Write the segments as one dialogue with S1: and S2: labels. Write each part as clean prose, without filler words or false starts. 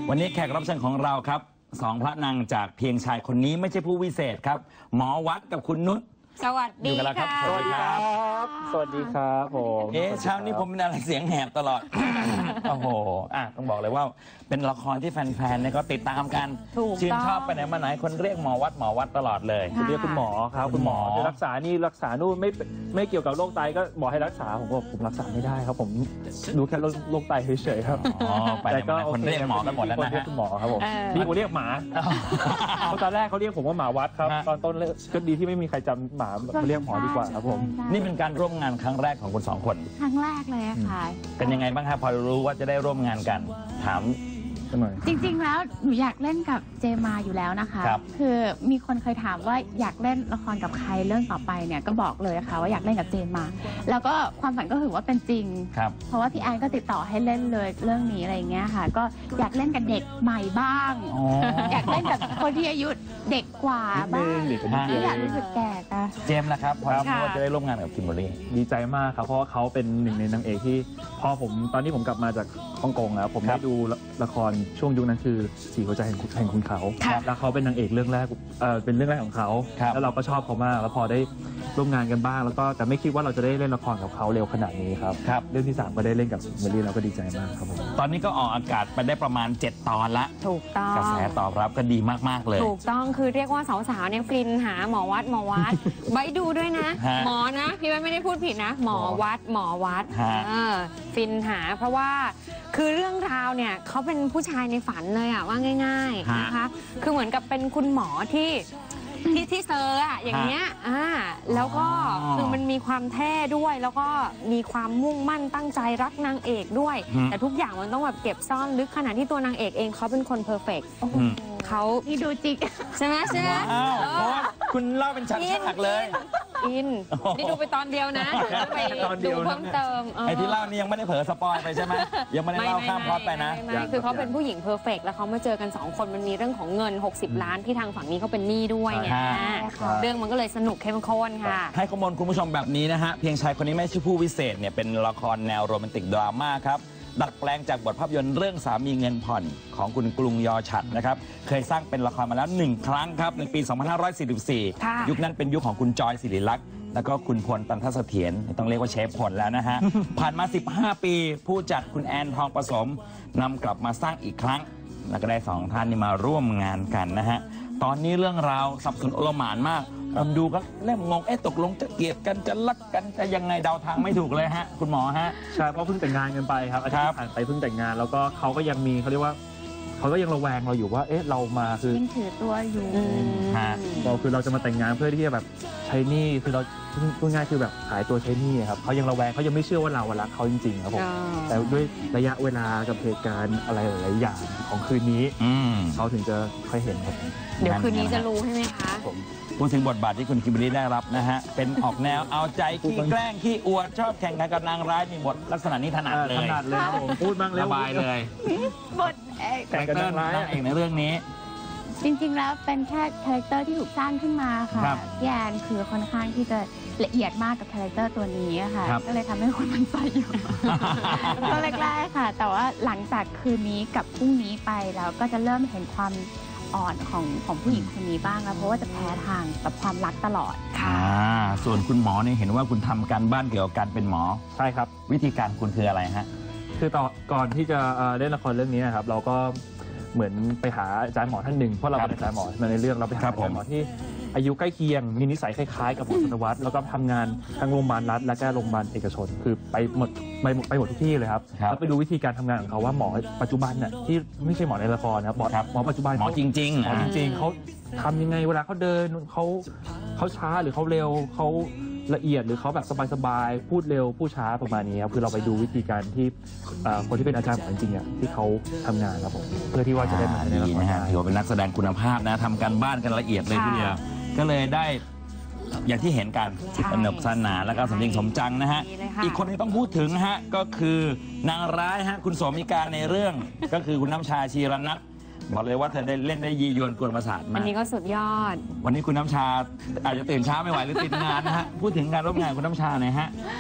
S1: วันนี้แขกรับเชิญของเราครับสองพระนางจากเพียงชายคนนี้ไม่ใช่ผู้วิเศษครับหมอวัดกับคุณนุช
S2: สวัสดีค่ะ
S1: สวัสดีครับ
S3: สวัสดีครับผม
S1: เช้านี้ผมเป็นอะไรเสียงแหบตลอด โอ้โหต้องบอกเลยว่าเป็นละครที่แฟนๆเนี่ยก็ติดตามกันชื่นชอบไปไหนมาไหนคนเรียกหมอวัดตลอดเลย
S3: เรียกคุณหมอครับคุณหมอจะรักษานี่รักษานู่นไม่เกี่ยวกับโรคไตก็บอกให้รักษาผมบอกผมรักษาไม่ได้ครับผมดูแค่โรคไตเฉยๆครับ
S1: แต่ก็คนเรียกหมอกันหมดแล้วนะฮะ
S3: คุณหมอครับผมนี่เขาเรียกหมาตอนแรกเขาเรียกผมว่าหมาวัดครับตอนต้นก็ดีที่ไม่มีใครจำหมาเรียกหมอดีกว่าครับผม
S1: นี่เป็นการร่วมงานครั้งแรกของคุณสองคน
S2: ครั้งแรกเลยค่ะ
S1: เป็นยังไงบ้างครับพอรู้ว่าจะได้ร่วมงานกันถาม
S2: จริงๆแล้วหนูอยากเล่นกับเจมาอยู่แล้วนะคะคือมีคนเคยถามว่าอยากเล่นละครกับใครเรื่องต่อไปเนี่ยก็บอกเลยค่ะว่าอยากเล่นกับเจมาแล้วก็ความฝันก็ถือว่าเป็นจริงเพราะว่าพี่แอนก็ติดต่อให้เล่นเลยเรื่องนี้อะไรอย่างเงี้ยค่ะก็อยากเล่นกับเด็กใหม่บ้างอยากเล่นกับคนที่อายุเด็กกว่าบ้างไม่อยากรู้สึกแก่ค่ะ
S1: เจมส์นะครับพอรู้ว่าจะได้ร่วมงานกับคิมเบอรรี่
S3: ดีใจมากครับเพราะว่าเขาเป็นหนึ่งในนางเอกที่พอผมตอนนี้ผมกลับมาจากฮ่องกงแล้วผมได้ดูละครช่วงยุคนั้นคือ4หัวใจแห่งคุณเขาแล้วเขาเป็นนางเอกเรื่องแรกเป็นเรื่องแรกของเขาแล้วเราก็ชอบเขามากแล้วพอได้ร่วมงานกันบ้างแล้วก็แต่ไม่คิดว่าเราจะได้เล่นละครกับเขาเร็วขนาดนี้ครับเรื่องที่3ก็ได้เล่นกับเมลี่เราก็ดีใจมากครับผม
S1: ตอนนี้ก็ออกอากาศไปได้ประมาณ7 ตอนละ
S2: ถูกต้อง
S1: กระแสตอบรับก็ดีมากๆเลย
S2: ถูกต้องคือเรียกว่าสาวๆเนี่ยฟินหาหมอวัดไว้ดูด้วยนะหมอนะพี่ไม่ได้พูดผิดนะหมอวัดฟินหาเพราะว่าคือเรื่องราวเนี่ยเขาเป็นผู้ชายในฝันเลยอะว่าง่ายๆนะคะคือเหมือนกับเป็นคุณหมอที่เซอร์อะอย่างเงี้ยแล้วก็คือมันมีความเท่ด้วยแล้วก็มีความมุ่งมั่นตั้งใจรักนางเอกด้วยแต่ทุกอย่างมันต้องแบบเก็บซ่อนลึกขนาดที่ตัวนางเอกเองเขาเป็นคนเพอร์เฟกต์เขา
S4: ที่ดูจิก
S2: ใช่ไหม
S1: เพราะว่าคุณเล่าเป็นฉากๆเลย
S2: นี่ดูไปตอนเดียวนะไปดูเพิ่มเติม
S1: ไอ้ที่เล่านี่ยังไม่ได้เผลอสปอยไปใช่ไหมยังไม่ได้เล่าข้ามพล็อตไปนะ
S2: คือเขาเป็นผู้หญิงเพอร์เฟกต์แล้วเขามาเจอกัน2คนมันมีเรื่องของเงิน60 ล้านที่ทางฝั่งนี้เขาเป็นหนี้ด้วยไงเรื่องมันก็เลยสนุกเข้มข้นค่ะ
S1: ให้ข้อมูลคุณผู้ชมแบบนี้นะฮะเพียงชายคนนี้ไม่ใช่ผู้วิเศษเนี่ยเป็นละครแนวโรแมนติกดราม่าครับดัดแปลงจากบทภาพยนตร์เรื่องสามีเงินผ่อนของคุณกรุงยอฉัตรนะครับเคยสร้างเป็นละครมาแล้ว1 ครั้งครับในปี 2544 ยุคนั้นเป็นยุคของคุณจอยศิริลักษณ์แล้วก็คุณพลตันทเสถียรต้องเรียกว่าเชฟพลแล้วนะฮะ ผ่านมา15 ปีผู้จัดคุณแอนทองผสมนำกลับมาสร้างอีกครั้งแล้วก็ได้2 ท่านนี่มาร่วมงานกันนะฮะตอนนี้เรื่องราวสับสนโอลหม่านมากดูก็เริ่มงงตกลงจะเกลียดกันจะรักกันจะยังไงเดาทางไม่ถูกเลยฮะคุณหมอฮะ
S3: ใช่เพราะเพิ่งแต่งงานกันไปครับอาทิตย์ผ่านไปเพิ่งแต่งงานแล้วก็เขาก็ยังมีเขาเรียกว่าเขาก็ยังระแวงเราอยู่ว่าเรามาคือ
S4: ยังถือตัวอยู่
S3: เราจะมาแต่งงานเพื่อที่จะแบบใช้หนี้คือเราพูดง่ายคือแบบขายตัวใช้หนี้ครับเขายังระแวงเขายังไม่เชื่อว่าเรารักเขาจริงๆครับผมแต่ด้วยระยะเวลากับเหตุการณ์อะไรหลายๆอย่างของคืนนี้เขาถึงจะค่อยเห็นครับ
S2: เดี๋ยวคืนนี้จะรู้ใช่ไหมคะ
S1: พูดถึงบทบาทที่คุณคิมเบอรรี่ได้รับนะฮะเป็นออกแนวเอาใจขี้แกล้งขี้อวดชอบแข่งขันกับนางร้ายมีบทลักษณะนี้ถนัดเลย
S3: ผมพูดบ้างเลย
S1: สบายเลย
S4: บท
S1: แข่งกับนางร้ายเองในเรื่องนี้
S4: จริงๆแล้วเป็นแค่คาแรคเตอร์ที่ถูกสร้างขึ้นมาค่ะพี่แอนคือค่อนข้างที่จะละเอียดมากกับคาแรคเตอร์ตัวนี้ค่ะก็เลยทำให้คนมันใจอยู่ก็แรกๆค่ะแต่ว่าหลังจากคืนนี้กับพรุ่งนี้ไปแล้วก็จะเริ่มเห็นความอ่อนของผู้หญิงคนนี้บ้างแล้วเพราะว่าจะแพ้ทางกับความรักตลอด
S1: ค่ะส่วนคุณหมอเนี่ยเห็นว่าคุณทำการบ้านเกี่ยวกับการเป็นหมอ
S3: ใช่ครับ
S1: วิธีการคุณคืออะไรฮะ
S3: คือก่อนที่จะเล่นละครเรื่องนี้นะครับเราก็เหมือนไปหาอาจารย์หมอท่านหนึ่งเพราะเราเป็นอาจารย์หมอในเรื่องเราไปหาอาจารย์หมอที่อายุใกล้เคียงมีนิสัยคล้ายๆกับหมอธนวัฒน์แล้วก็ทำงานทั้งโรงพยาบาลรัฐและก็โรงพยาบาลเอกชนคือไปหมดทุกที่เลยครับแล้วไปดูวิธีการทำงานของเขาว่าหมอปัจจุบันน่ะที่ไม่ใช่หมอในละครนะครับหมอปัจจุบัน
S1: หมอจริง
S3: ๆเขาทำยังไงเวลาเขาเดินเขาช้าหรือเขาเร็วเขาละเอียดหรือเขาแบบสบายๆพูดเร็วพูดช้าประมาณนี้ครับคือเราไปดูวิธีการที่คนที่เป็นอาจารย์หมอจริงๆที่เขาทำงานครับผมเพื่อที่ว่าจะได้มาในละคร
S1: ถือว่าเป็นนักแสดงคุณภาพนะทำการบ้านกันละเอียดเลยทีเดียวก็เลยได้อย่างที่เห็นกันสนุกสนานแล้วก็สมจริงสมจังนะฮะอีกคนที่ต้องพูดถึงฮะก็คือนางร้ายฮะคุณโสมิกาในเรื่องก็คือคุณน้ำชาชีรนัทบอกเลยว่าเธอได้เล่นได้ยียวนกวนประสาทมาก
S2: อันนี้ก็สุดยอด
S1: วันนี้คุณน้ำชาอาจจะตื่นเช้าไม่ไหวหรือติดงานนะฮะพูดถึงการร่วมงานคุณน้ำชาหน่อยฮะ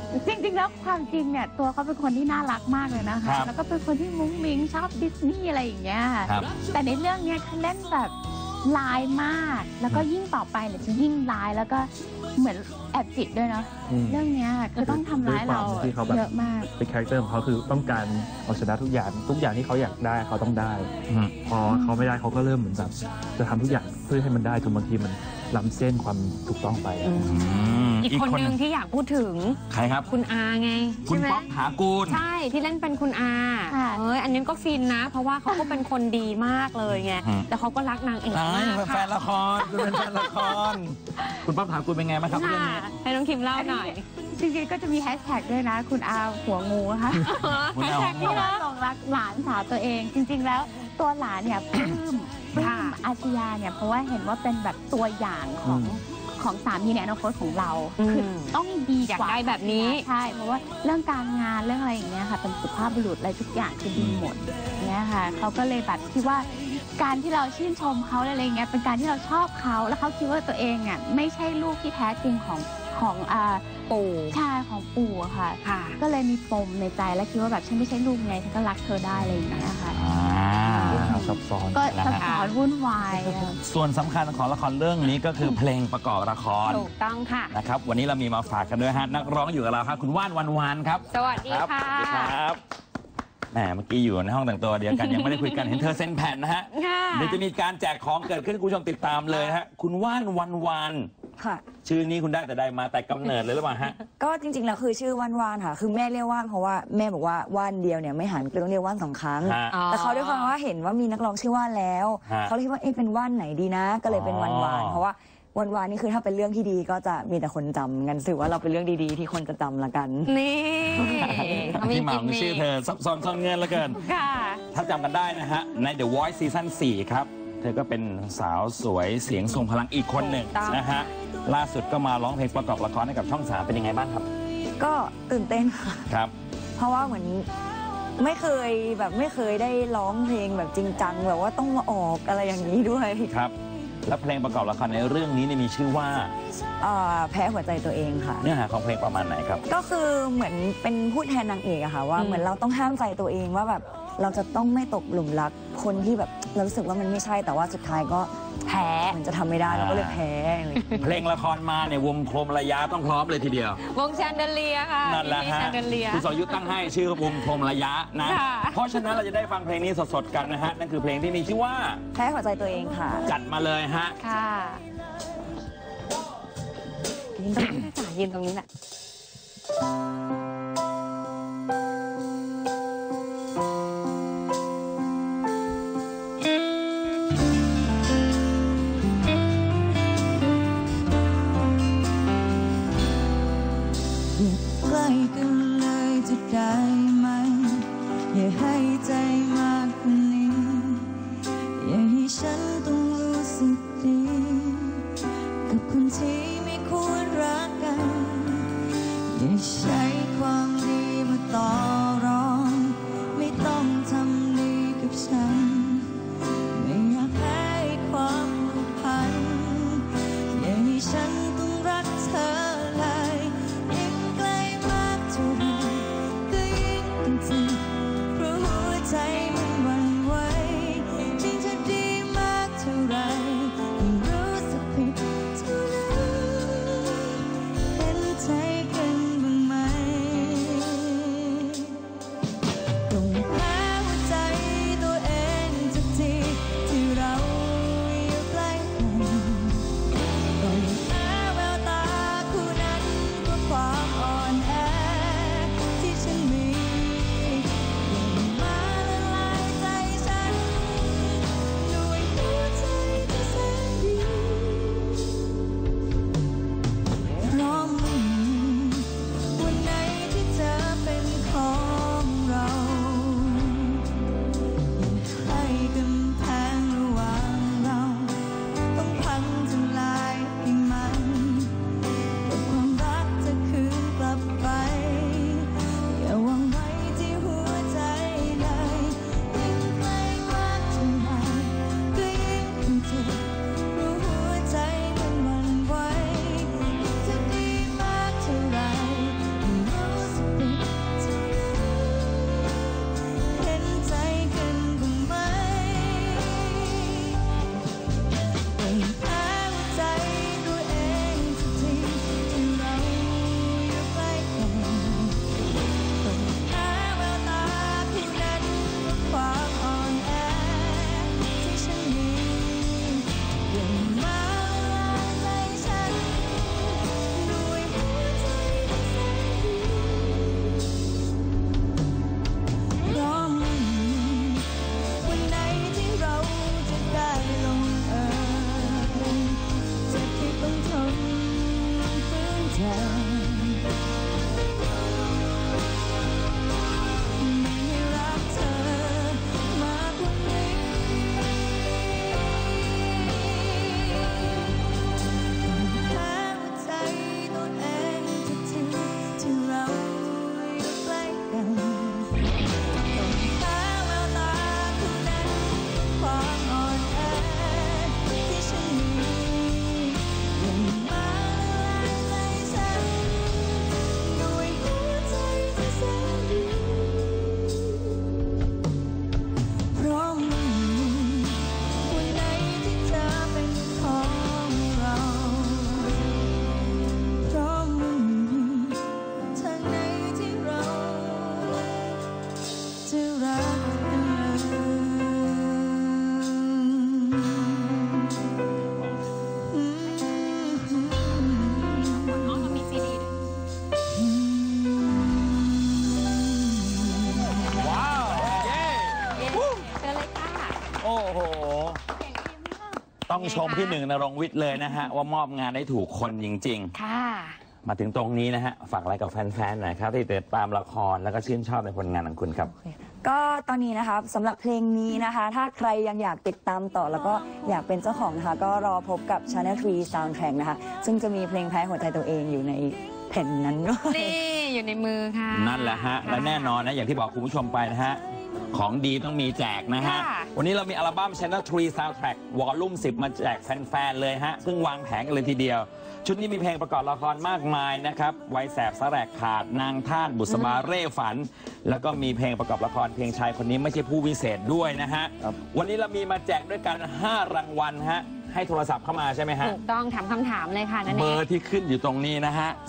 S4: จริงๆแล้วความจริงเนี่ยตัวเขาเป็นคนที่น่ารักมากเลยนะ
S1: ครั
S4: คะ
S1: บ
S4: แล้วก็เป็นคนที่มุ้งมิ้งชอบดิสนีย์อะไรอย่างเงี้ย
S1: ครับ
S4: แต่ในเรื่องเนี้ยเขาเล่นแบบลายมาก แล้วก็ยิ่งต่อไปเนี่ยจะยิ่งลายแล้วก็เหมือนแอบจิตด้วยเนาะ
S3: อืม
S4: เรื่องเนี้ยคือต้องทำร้ายเรา
S3: ด้วยความที่เขาแบบ
S4: เยอะมาก
S3: เป็นคาแรคเตอร์ของเขาคือต้องการเอาชนะทุกอย่างที่เขาอยากได้เขาต้องได้
S1: อืม
S3: พอเขาไม่ได้เขาก็เริ่มเหมือนแบบจะทำทุกอย่างเพื่อให้มันได้จนบางทีมันล้ำเส้นความถูกต้องไปอะ
S2: อีกคนนึงที่อยากพูดถึง
S1: ใครครับ
S2: คุณอาไง
S1: คุณ
S2: ใช่ไหม
S1: ป๊อกถากูล
S2: ใช่ที่เล่นเป็นคุณอา
S4: ค่ะ
S2: อันนี้ก็ฟินนะ เพราะว่าเขาก็เป็นคนดีมากเลยไง
S1: อืม
S2: แต่เขาก็รักนางเอก
S1: ตาย
S2: มาก
S1: เป็นแฟ
S2: ค่ะ
S1: นละครคุณเป็นแฟนละคร คุณป๊อกถากูลเป็นไงบ้างครับเรื่อง
S2: ค่ะ
S1: นี้
S2: ให้น้องคิมเล่าหน่อย
S4: จริงๆก็จะมีแฮชแท็กด้วยนะ คุณอาหัวงูค่ะ
S1: คุณอา
S2: แฮชแท็ก
S4: ที่
S2: นี้
S4: ว่า
S2: นะ
S4: หลงรักหลานสาวตัวเอง จริง ๆ แล้วตัวหลานเนี่ยปลื้ม
S2: ค่ะ
S4: อาชญาเนี่ยเพราะว่าเห็นว่าเป็นแบบตัวอย่างของสามีในอนาคตของเรา คือต้องดี
S2: อยาก
S4: กว่า
S2: ได้แบบนี้
S4: ใช่เพราะว่าเรื่องการงานเรื่องอะไรอย่างเงี้ยค่ะเป็นสุภาพบุรุษอะไรทุกอย่างคือดีหมดเนี่ยค่ะเขาก็เลยแบบคิดว่าการที่เราชื่นชมเขาอะไรอย่างเงี้ยเป็นการที่เราชอบเขาแล้วเขาคิดว่าตัวเองอ่ะไม่ใช่ลูกที่แท้จริงของ
S2: ปู่
S4: ชายของปู่อะค่ะ
S2: ค่ะ
S4: ก็เลยมีปมในใจและคิดว่าแบบฉันไม่ใช่ลูกไงฉันก็รักเธอได้อะไรอย่างเงี้ยค่ะ
S3: เรื่องราวซับซ้อน
S4: ก็
S1: นะ
S4: ซับ
S1: ฮะ
S4: ซ้อนวุ่นวายอะ
S1: ส่วนสำคัญของละครเรื่องนี้ก็คือเพลงประกอบละคร
S2: ถูกต้องค่ะ
S1: นะครับ วันนี้เรามีมาฝากกันด้วยฮะ นักร้องอยู่กับเราครับ คุณว่านวันวานครับ
S2: สวัสดี
S1: ครับ
S2: ค่ะ
S1: สวัสดีครับแหมเมื่อกี้อยู่ในห้องแต่งตัวเดียวกัน ยังไม่ได้คุยกันเห็นเธอเซ็นแผ่นนะฮะ
S2: ค่ะ
S1: เดี๋ยวจะมีการแจกของเกิดขึ้นคุณผู้ชมติดตามเลยนะฮะ คุณว่านวันวาน
S5: ค่ะ
S1: ชื่อนี้คุณได้แต่ใดมาแต่กำเนิดเลยหรือเปล่าฮะ
S5: ก็จริงๆแล้วคือชื่อว่านว่านค่ะ คือแม่เรียกว่านเพราะว่าแม่บอกว่าว่านเดียวเนี่ยไม่หันก็ต้องเรียกว่าน2 ครั้ง
S1: ฮะ
S5: แต่เขาด้วยความว่าเห็นว่ามีนักร้องชื่อว่านแล้ว
S1: ฮะ
S5: เขาเลยคิดว่าเอ๊ะเป็นว่านไหนดีนะ ก็เลยเป็นวันวาน
S1: อ๋อ
S5: เพราะว่าวันวานนี่คือถ้าเป็นเรื่องที่ดีก็จะมีแต่คนจำงั้นถือว่าเราเป็นเรื่องดีๆ ที่คนจะจำละกัน
S2: นี่เขามี
S1: ที่มา
S2: กิ
S1: ข
S2: ม
S1: อง
S2: มิ
S1: ชื่อเธอซับซ้อนซ่อนเงินเหลือเกิน
S2: ค่ะ
S1: ถ้าจำกันได้นะฮะ ใน The Voice ซีซั่น4ครับ เธอก็เป็นสาวสวยเสียงทรงพลังอีกคนหนึ่ง
S2: ถูกต้อง
S1: นะฮะ ล่าสุดก็มาร้องเพลงประกอบละครให้กับช่อง 3 เป็นยังไงบ้างครับ
S5: ก็ตื่นเต้นค่ะ
S1: ครับ
S5: เพราะว่าเหมือนไม่เคยได้ร้องเพลงแบบจริงจังแบบว่าต้องมาออกอะไรอย่างนี้ด้วย
S1: ครับ แล้วเพลงประกอบละครในเรื่องนี้เนี่ยมีชื่อว่า
S5: แพ้หัวใจตัวเองค่ะ
S1: เนื้อหาของเพลงประมาณไหนครับ
S5: ก็คือเหมือนเป็นพูดแทนนางเอกอะค่ะว่า
S2: อืม
S5: เหมือนเราต้องห้ามใจตัวเองว่าแบบเราจะต้องไม่ตกหลุมรักคนที่แบบเรารู้สึกว่ามันไม่ใช่แต่ว่าสุดท้ายก็
S2: แพ้
S5: เหมือนจะทำไม่ได้เราก็เลยแพ้อะไรอย่างเงี้ย
S1: เพลงละครมาเนี่ยวงโคมระยะต้องพร้อมเลยทีเดียว
S2: วงแชนเดเลียค่ะ
S1: นั่นแหละ
S2: มี
S1: ฮะ
S2: แชนเดเลีย
S1: คุณสรยุทธ์ตั้งให้ชื่อวงโคมระยะนะ
S2: ค่ะ
S1: เพราะฉะนั้นเราจะได้ฟังเพลงนี้สดๆกันนะฮะ นั่นคือเพลงที่มีชื่อว่า
S5: แพ้หัวใจตัวเองค่ะ
S1: จัดมาเลยฮะ
S2: ค่ะยืนตรงนี้ค่ะยืนตรงนี้แหละ
S5: ใกล้กันเลยจะได้ไหมอย่าให้ใจมากกว่านี้อย่าให้ฉันต้องรู้สึกดีกับคนที่ไม่ควรรักกันอย่าใช้ความดีมาต่อรองไม่ต้องทำดีกับฉันไม่อยากแพ้ความผูกพันอย่าให้ฉันต้องรักเธอเลยยิ่งใกล้มากเท่าไรก็ยิ่งต้องเจ็บเพราะหัวใจ
S1: โอ้โหต้องชมพี่หนึ่งณรงค์วิทย์เลยนะฮะว่ามอบงานได้ถูกคนจริงๆ
S2: ค่ะ
S1: มาถึงตรงนี้นะฮะฝากอะไรกับแฟนๆหน่อยครับที่ติดตามละครแล้วก็ชื่นชอบในผลงานของคุณครับ
S5: ก็ตอนนี้นะคะสำหรับเพลงนี้นะคะ ถ้าใครยังอยากติดตามต่อแล้วก็อยากเป็นเจ้าของนะคะ ก็รอพบกับ Channel 3 Soundtrack นะคะ ซึ่งจะมีเพลงแพ้หัวใจตัวเองอยู่ในแผ่นนั้นด้วย
S2: นี่อยู่ในมือค่ะ
S1: นั่นแหละฮะและแน่นอนนะอย่างที่บอกคุณผู้ชมไปนะฮะของดีต้องมีแจกนะฮะ
S2: ค่ะ
S1: วันนี้เรามีอัลบั้ม Channel 3 Soundtrack Volume 10 มาแจกแฟนๆเลยฮะเพิ่งวางแผงกันเลยทีเดียว ชุดนี้มีเพลงประกอบละครมากมายนะครับไวยแสบสะแรกขาดนางท่านบุษบาเร่ฝัน แล้วก็มีเพลงประกอบละครเพลงชายคนนี้ไม่ใช่ผู้วิเศษด้วยนะฮะ
S3: ครับ
S1: วันนี้เรามีมาแจกด้วยกัน 5 รางวัลฮะให้โทรศัพท์เข้ามาใช่ไหมฮะ
S2: ถูกต้องถามคำถามเลยค่ะนั่น
S1: เบ
S2: เอ
S1: อง ร์ที่ขึ้นอยู่ตรงนี้นะฮะ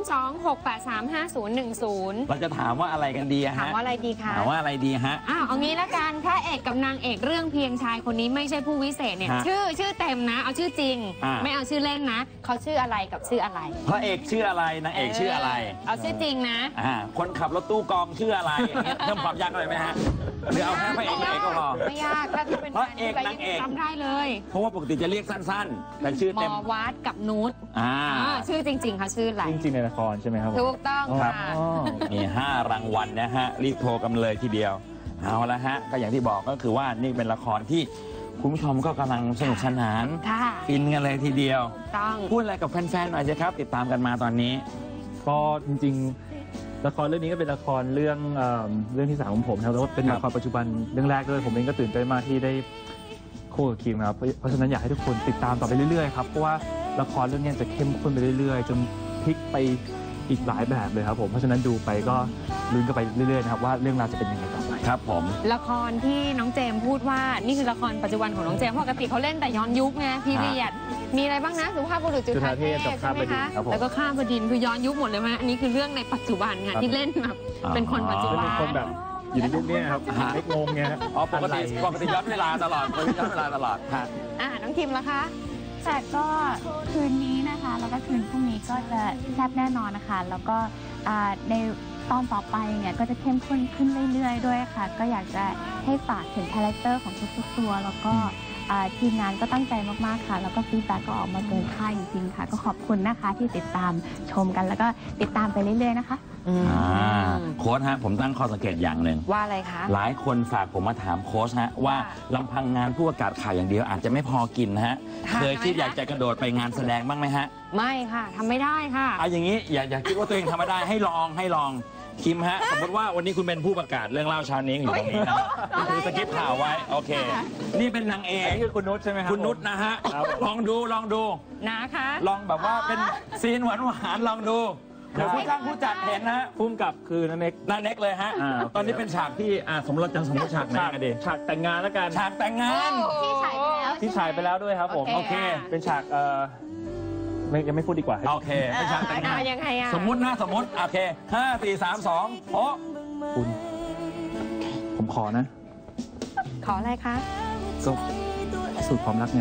S2: 026835010
S1: เราจะถามว่าอะไรกันดีอะ
S2: ถาม
S1: ฮะ
S2: ว่าอะไรดีคะ
S1: ถามว่าอะไรดีฮะ
S2: อ้าวเอางี้ละกันพระเอกกับนางเอกเรื่องเพียงชายคนนี้ไม่ใช่ผู้วิเศษเนี่ย
S1: ฮะ
S2: ชื่อเต็มนะ เอาชื่อจริง
S1: อ่า
S2: ไม่เอาชื่อเล่นนะเขาชื่ออะไรกับชื่ออะไร
S1: พระเอกชื่ออะไรนางเอกชื่ออะไร
S2: เอาชื่อจริงนะ
S1: คนขับรถตู้กองชื่ออะไรอย่างเงี้ยเพิ่มความยากอะไรไหมฮะหรือเอาแค่พระเอกนางเอกก็พอ
S2: ไม่ยากถ้าเป็น
S1: พระเอกนางเอก
S2: จำได้เลย
S1: เพราะว่าปกติจะเรียกสั้นๆ แต่ชื่อ
S2: หม
S1: เต็ม
S2: อวัดกับนุช
S1: อ่า
S2: ชื่อจริงๆเขาชื่ออะไร
S3: จริงๆในละครใช่ไหมครับผม
S2: ถูกต้อง
S1: ครั
S2: ค่ะ
S1: บ มี 5 รางวัลนะฮะ รีบโทรกันเลยทีเดียว เอาละฮะ ก็อย่างที่บอกก็คือว่านี่เป็นละครที่คุณผู้ชมก็กำลังสนุกสนาน
S2: ค่ะ
S1: ฟินกันเลยทีเดียว
S2: ต้อง
S1: พูดอะไรกับแฟนๆหน่อยสิครับ ติดตามกันมาตอนนี้
S3: ก็จริงๆละครเรื่องนี้ก็เป็นละครเรื่องที่ 3ของผมนะครับแล้วก็เป็นละครปัจจุบันเรื่องแรกด้วยผมเองก็ตื่นเต้นมากที่ได้คู่กับคิมครับเพราะฉะนั้นอยากให้ทุกคนติดตามต่อไปเรื่อยๆครับเพราะว่าละครเรื่องนี้จะเข้มข้นไปเรื่อยๆจนพลิกไปอีกหลายแบบเลยครับผมเพราะฉะนั้นดูไปก็ลุ้นกันไปเรื่อยๆนะครับว่าเรื่องราวจะเป็นยังไงต่อไป
S1: ครับผม
S2: ละครที่น้องเจมส์พูดว่านี่คือละครปัจจุบันของน้องเจมส์ปกติเขาเล่นแต่ย้อนยุคไงพีเรียดมีอะไรบ้างนะสุภาพบุรุษจุฑาเทพ
S3: จุฑาเทพกับ
S2: ใช่ไหม
S3: ข้ามบดิน
S2: คะ
S3: ครับผม
S2: แล้วก็ข้ามบดินทร์คือย้อนยุคหมดเลยไหมอันนี้คือเรื่องในปัจจุบันค่ะที่เล่นแบบเป็นคนปัจจุบั
S3: เป็น นคนแบบอยู่ในยุคนี้ครับไม่งงไงฮะ
S1: อ๋อปกติย้อนเวลาตลอดย้อนเวลาตลอดฮะ
S2: น้องคิมล่ะคะ
S4: แต่ก็คืนนี้นะคะ แล้วก็คืนพรุ่งนี้ก็จะแซ่บแน่นอนนะคะ แล้วก็ในตอนต่อไปเนี่ยก็จะเข้มข้นขึ้นเรื่อยๆด้วยค่ะ ก็อยากจะให้ฝากถึงคาแรคเตอร์ของทุกๆตัว แล้วก็ทีมงานก็ตั้งใจมากๆค่ะ แล้วก็ฟีดแบ็กก็ออกมาเกินคาดจริงๆค่ะ ก็ขอบคุณนะคะที่ติดตามชมกันแล้วก็ติดตามไปเรื่อยๆนะคะ
S1: โค้ชฮะผมตั้งข้อสังเกตอย่างหนึ่ง
S2: ว่าอะไรคะ
S1: หลายคนฝากผมมาถามโค้ชฮะว่าลำพังงานผู้ประกาศข่าวอย่างเดียวอาจจะไม่พอกินฮะ
S2: ค่ะ
S1: เคยคิดอยากจะกระโดดไปงานแสดงบ้างไหมฮะ
S2: ไม่ค่ะทำไม่ได้ค่ะ
S1: เอาอย่างนี้อย่าคิดว่าตัวเองทำไม่ได้ให้ลองคิมฮะ สมมติว่าวันนี้คุณเป็นผู้ประกาศเรื่องเล่าเช้านี้อยู่ตรงนี้นะคือสกิปข่าวไว้โอเค นี่เป็นนางเอก
S3: นี่คือคุณนุชใช่ไหมครับ
S1: คุณนุชนะฮะ
S3: ครับผม
S1: ลองดู
S2: นะคะ
S1: ลองแบบว่าเป็นซีนหวานลองดูเดี๋ยวผู้จ้างผู้จัดเห็นนะฮะ
S3: พุ่มกับคือนันเอก
S1: หน้าเน็กเลยฮะ
S3: โอเค
S1: ตอนนี้เป็นฉากที่สมมติฉากไหนกันดี
S3: ฉากแต่งงานแล้วกัน
S1: ฉากแต่งงาน
S4: ที่ฉายไปแล้ว
S3: ที่ฉายไปแล้วด้วยครับผม
S2: โอเค
S3: เป็นฉากยังไม่พูดดีกว่า
S1: โอเคเป็นฉากแต่งงาน
S2: ยังไงอะ
S1: สมมติโอเค5 4 3 2โอ้
S3: คุณผมขอนะ
S2: ขออะไรคะ
S3: ก็สูตรความรักไง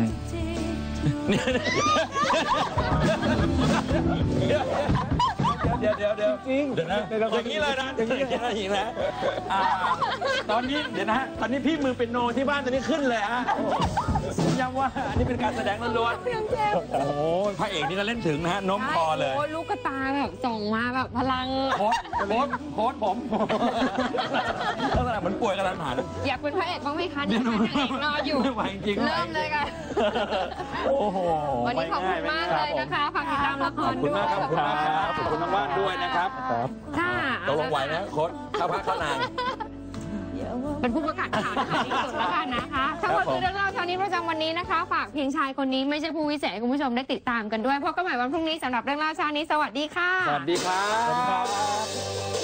S1: เดี๋ยวจริงเดี๋ยวนะอย่างนี้เลยนะอย่างนี้นะตอนนี้เดี๋ยวนะฮะตอนนี้พี่มือเป็นโนที่บ้านตอนนี้ขึ้นเลยฮะย้ำว่าอันนี้เป็นการแสดงล้วนๆโอ้โหพระเอกนี่ก็เล่นถึงนะฮะโน้มคอเลย
S2: โอ้ลูกกระตาแบบส่งมาแบบพลัง
S1: โค้ดผมลักษณะเหมือนป่วยกระทันหัน
S2: อยากเป็นพระเอกบ้างไหมคะนี่ค่ะนางเอกรออยู่
S1: ไม่ไหวจริงๆ
S2: เริ่มเลยค่ะ
S1: โอ้โห
S2: วันนี้ขอบคุณมากเลยนะคะฝากติดตามละค
S1: ขอบ
S2: ร
S1: คุณ
S2: ด้ว
S1: มาย กครับขอบคุณน้องว่านด้วยนะครับ
S2: ค่ะ
S1: ตกลงไหวนะโค้ดเข้าพักเข้านาง
S2: เป็นผู้ประกาศข่าวที่สุดแล้วกันนะคะทั้งหมดคือเรื่องเล่าเช้านี้ประจำวันนี้นะคะ ฝากเพียงชายคนนี้ไม่ใช่ผู้วิเศษให้คุณผู้ชมได้ติดตามกันด้วยพบกันใหม่วันพรุ่งนี้สำหรับเรื่องเล่าเช้านี้สวัสดีค่ะ
S1: สวัสดีครับ